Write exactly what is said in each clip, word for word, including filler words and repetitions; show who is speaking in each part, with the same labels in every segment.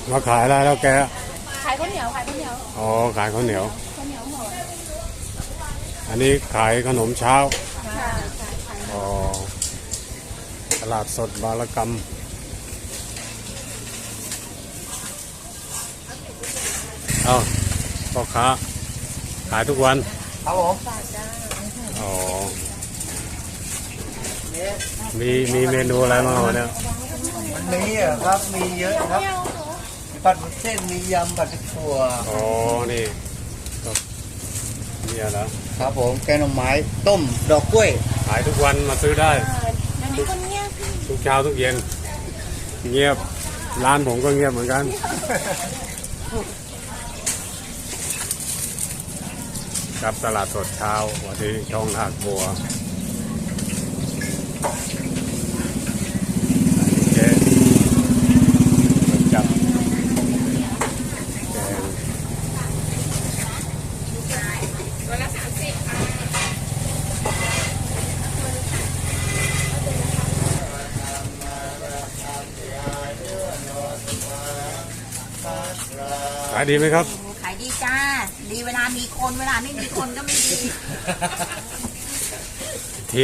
Speaker 1: มาขายอะไรแล้วแก
Speaker 2: ขายข้าวเหนียวขายข้าวเหนียว
Speaker 1: อ๋อขายข้าวเหนียว
Speaker 2: ข้าวเหนียวห่อ
Speaker 1: อันนี้ขายขนมเช้า
Speaker 2: ค่ะ
Speaker 1: อ๋อตลาดสดบารกรรมเอาพ่อค้าขายทุกวัน
Speaker 3: ครับผม
Speaker 1: อ๋อมีมีเมนูอะไรบ้างวันนี้
Speaker 3: วันนี้อ่ะครับมีเยอะครับมีผัดวุ้นเส้นมียำผัดถั่ว
Speaker 1: อ๋อนี่ก็เนี่ยนะ
Speaker 3: ครับผมแกงหน่อไม้ต้มดอกกล้วย
Speaker 1: ขายทุกวันมาซื้อได้
Speaker 2: ทุกคนเงียบ
Speaker 1: ทุกเช้าทุกเย็นเงียบร้านผมก็เงียบเหมือนกันครับตลาดสดเช้าวันที่ช่องนาคบัวเจ๊จับแกง
Speaker 2: ตัวละสามสิบค่ะ
Speaker 1: ขายดีไหมครับ
Speaker 2: ขายดีจ้าดีเวลามีคนเวลาไม่มีคนก็ไม่ดี
Speaker 1: ที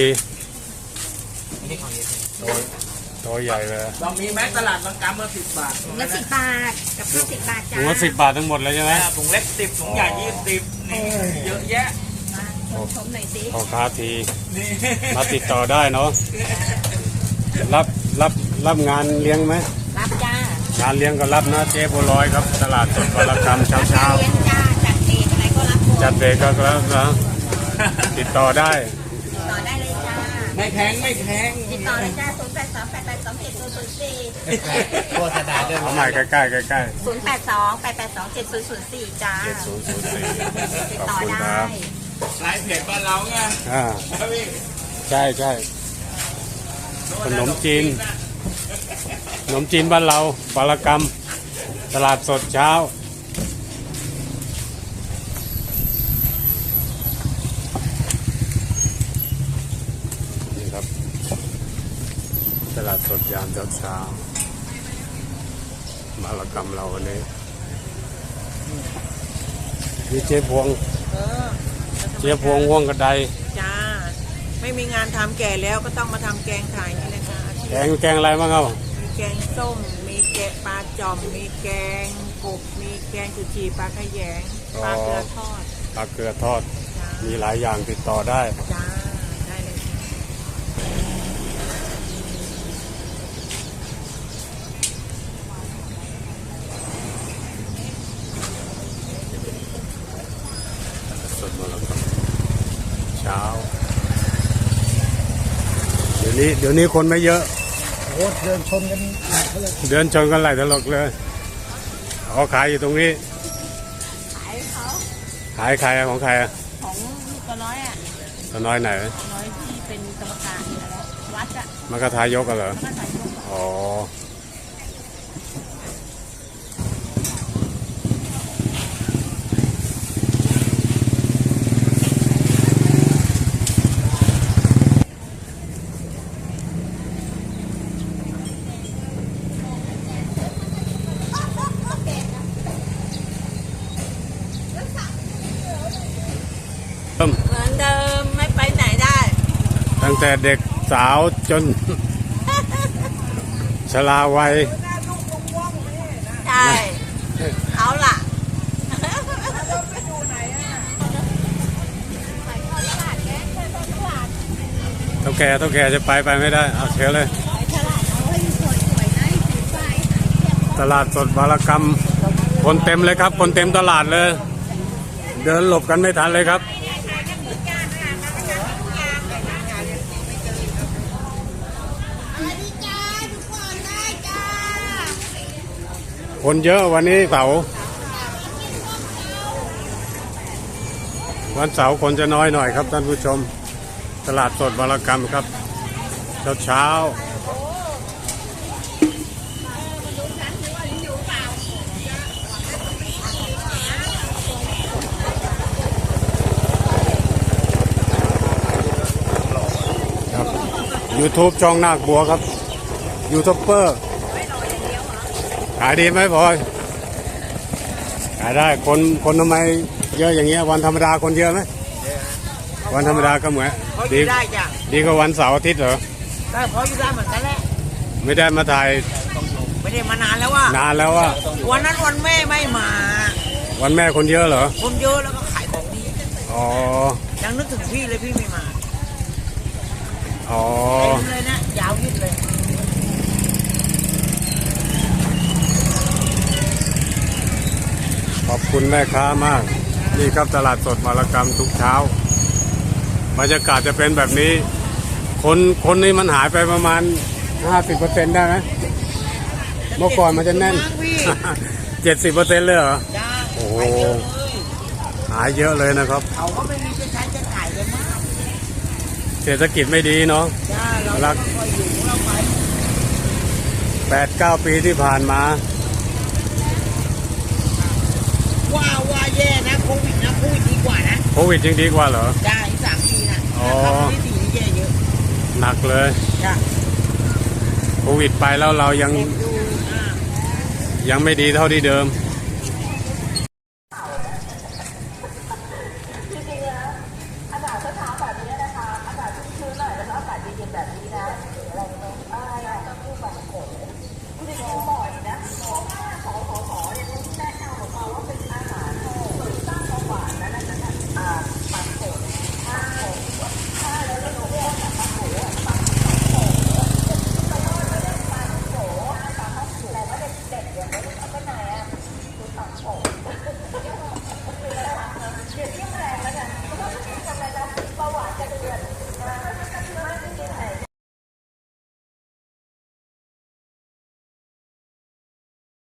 Speaker 1: ตัวตัวใหญ่เลย
Speaker 3: ลองมีแม็กตลาดบางกำมาสิบบาท
Speaker 2: ถุงละสิบบาทกับข้าวสิบบาทจ้า
Speaker 1: ถุงละสิบบาททั้งหมดเลยใช่ไหม
Speaker 3: ถุงเล็กสิบถุงใหญ่ยี่สิบนี่เยอะแยะ
Speaker 2: ชมหน่อยสิ
Speaker 1: พ่อค้าทีมาติดต่อได้เนาะรับรับรับงานเลี้ยงไหม
Speaker 2: รับจ้าง
Speaker 1: านเลี้ยงก็รับนะเจ๊บัวลอยครับตลาดสดบารกรรมเช้าเช้า
Speaker 2: เลี้ยงจ้าจัดเด็กอะไรก็รับ
Speaker 1: จัดเด็กก็รับนะติดต่อได้
Speaker 2: ติดต่อได้เลยจ้า
Speaker 3: ไม่แพงไม่แพง
Speaker 2: ติดต่อเลยจ้าศูนย์แปดสองแปดแปดสองเจ็ดศูนย์ศูนย์สี่
Speaker 3: โฆษณาด้วย
Speaker 1: เอาใหม่ใกล้ใกล้ใกล้ใกล้
Speaker 2: ศูนย์แปดสองแปดแปดสองเจ็ดศูนย์ศูนย์สี่จ้า
Speaker 1: เจ็ดศูนย์ศูนย์สี่
Speaker 2: ติดต่อได้
Speaker 3: ไลฟ์เพจบ้านเราไง
Speaker 1: อ่าใช่ใช่ขนมจีนขนมจีนบ้านเราบารกรรมตลาดสดเช้านี่ครับตลาดสดยามเช้าเช้าบารกรรมเราวันนี้มีเจ๊พวงเจ๊พวงว่องกระได
Speaker 4: จ้าไม่มีงานทำแก่แล้วก็ต้องมาทำแกงขายนี่แหละค่ะ
Speaker 1: แกงแกงอะไรบ้างครับ
Speaker 4: มีแกงส้มมีแกงปลาจอมมีแกงกบมีแกงจุชีปลาขยงปลาเกลือทอด
Speaker 1: ปลาเกลือทอดมีหลายอย่างติดต่อได้
Speaker 4: จ้าได้เลย
Speaker 1: สดมาแล้วครับเช้าเดี๋ยวนี้เดี๋ยวนี้คนไม่เยอะ
Speaker 3: โอ้เดินชนกัน
Speaker 1: เดินชนกันหลายตลกเลยเขาขายอยู่ตรงนี้
Speaker 2: ขายเขา
Speaker 1: ขายใครของใครอ่ะ
Speaker 2: ของตัวน้อยอ่ะ
Speaker 1: ตัวน้อยไหน
Speaker 2: น้อยที่เป็นกรรมการอะไรวัดอ่ะ
Speaker 1: มันก็ทายกกันเหรออ๋อ
Speaker 4: เหมือนเดิมไม่ไปไหนได้
Speaker 1: ตั้งแต่เด็กสาวจนชราวัย
Speaker 4: ใช่เอาล่ะ
Speaker 1: เท่าแก่เท่าแก่จะไปไปไม่ได้เอาเชิญเลยตลาดสดบารกรรมคนเต็มเลยครับคนเต็มตลาดเลยเดินหลบกันไม่ทันเลยครับคนเยอะวันนี้เสาร์วันเสาร์คนจะน้อยหน่อยครับท่านผู้ชมตลาดสดบารกรรมครับเช้าเช้าครับ YouTube ช่องนาคบัวครับยูทูบเบอร์ขายดีไหมพลอยายได้คนคนทำไมเยอะอย่างเงี้ยวันธรรมดาคนเยอะไหมวันธรรมดาก็เหมือน
Speaker 4: เขาอ
Speaker 1: ดี
Speaker 4: ยู่ได้จ้ะ
Speaker 1: ดีกว่าวันเสาร์อาทิตย์เหรอ
Speaker 4: ได้เพราะอยู่ได้เหมือนกันแหละ
Speaker 1: ไม่ได้มาถ่าย
Speaker 4: ไม่ได้มานานแล้วว่ะ
Speaker 1: นานแล้วว่า
Speaker 4: วันนั้นวันแม่ไม่มา
Speaker 1: วันแม่คนเยอะเหรอ
Speaker 4: คนเยอะแล้วก็ขายของดี
Speaker 1: อ๋อ
Speaker 4: ยังนึกถึงพี่เลยพี่ไม่มา
Speaker 1: อ๋อ
Speaker 4: เต็มเลยนะยาวยืดเลย
Speaker 1: ขอบคุณแม่ค้ามาก นี่ครับตลาดสดมารกรรมทุกเช้าบรรยากาศจะเป็นแบบนี้ คนคนนี้มันหายไปประมาณ ห้าสิบเปอร์เซ็นต์ ได้ไหมเมื่อก่อนมันจะแน่น เจ็ดสิบเปอร์เซ็นต์ เลยเหรอ
Speaker 4: จ้า
Speaker 1: โอ้โห
Speaker 4: ไปเยอะเลย
Speaker 1: หายเยอะเลยนะครับ
Speaker 4: เขาก็ไม่มีจะใช้จะขายเลยมาก
Speaker 1: เศรษฐกิจไม่ดีเนาะ
Speaker 4: จ้าเรา
Speaker 1: รัก
Speaker 4: ก็อยู่ของเราไป
Speaker 1: แปดเก้าปีที่ผ่านมา
Speaker 4: ว่าว่าแย่นะโควิดนะโควิดดีกว่านะ
Speaker 1: โควิดยังดีกว่าเหรอ
Speaker 4: จ้าอีกสามปีนะ
Speaker 1: อ๋อ
Speaker 4: นะครับที่สี่นี่แย่เยอะ
Speaker 1: หนักเลย
Speaker 4: จ้า
Speaker 1: โควิดไปแล้วเรายัง
Speaker 4: ดูอ่า
Speaker 1: ยังไม่ดีเท่าที่เดิม
Speaker 4: จ